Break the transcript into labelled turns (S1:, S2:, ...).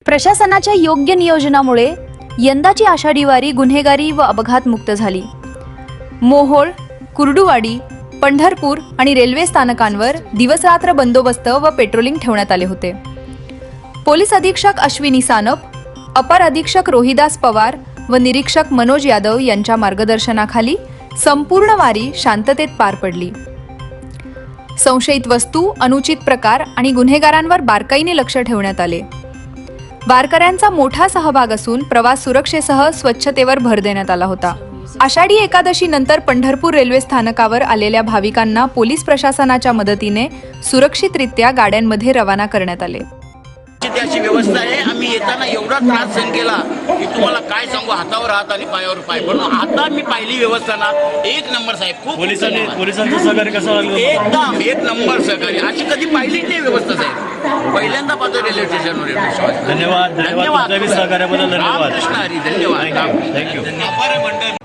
S1: प्रशासनाच्या योग्य नियोजनामुळे यंदाची आषाढी वारी गुन्हेगारी व अपघात मुक्त झाली। मोहोळ, कुर्डुवाडी, पंढरपूर आणि रेल्वे स्थानकांवर दिवसरात्र बंदोबस्त व पेट्रोलिंग ठेवण्यात आले होते। पोलीस अधीक्षक अश्विनी सानप, अपर अधीक्षक रोहिदास पवार व निरीक्षक मनोज यादव यांच्या मार्गदर्शनाखाली संपूर्ण वारी शांततेत पार पडली। संशयित वस्तू, अनुचित प्रकार आणि गुन्हेगारांवर बारकाईने लक्ष ठेवण्यात आले। वारकऱ्यांचा मोठा सहभाग असून प्रवास सुरक्षेसह स्वच्छतेवर भर देण्यात आला होता। आषाढी एकादशी नंतर पंढरपूर रेल्वे स्थानकावर आलेल्या भाविकांना पोलीस प्रशासनाच्या मदतीने सुरक्षितरित्या गाड्यांमध्ये रवाना करण्यात आले।
S2: अशी व्यवस्था आहे। आम्ही येताना एवढा त्रास सहन केला की तुम्हाला काय सांगू, हातावर हात आणि पायावर पाय। पण आता मी पाहिली व्यवस्था ना, एक नंबर साहेब। खूप
S3: पोलिसांचं सहकार्य कसं लागलं?
S2: एकदम एक नंबर सहकार्य, अशी कधी पाहिली नाही व्यवस्था साहेब। पहिल्यांदा पाहतो रेल्वे स्टेशनवर।
S3: धन्यवाद. सहकार्याबद्दल धन्यवाद.
S2: रामकृष्ण हरी, धन्यवाद।
S3: थँक्यू.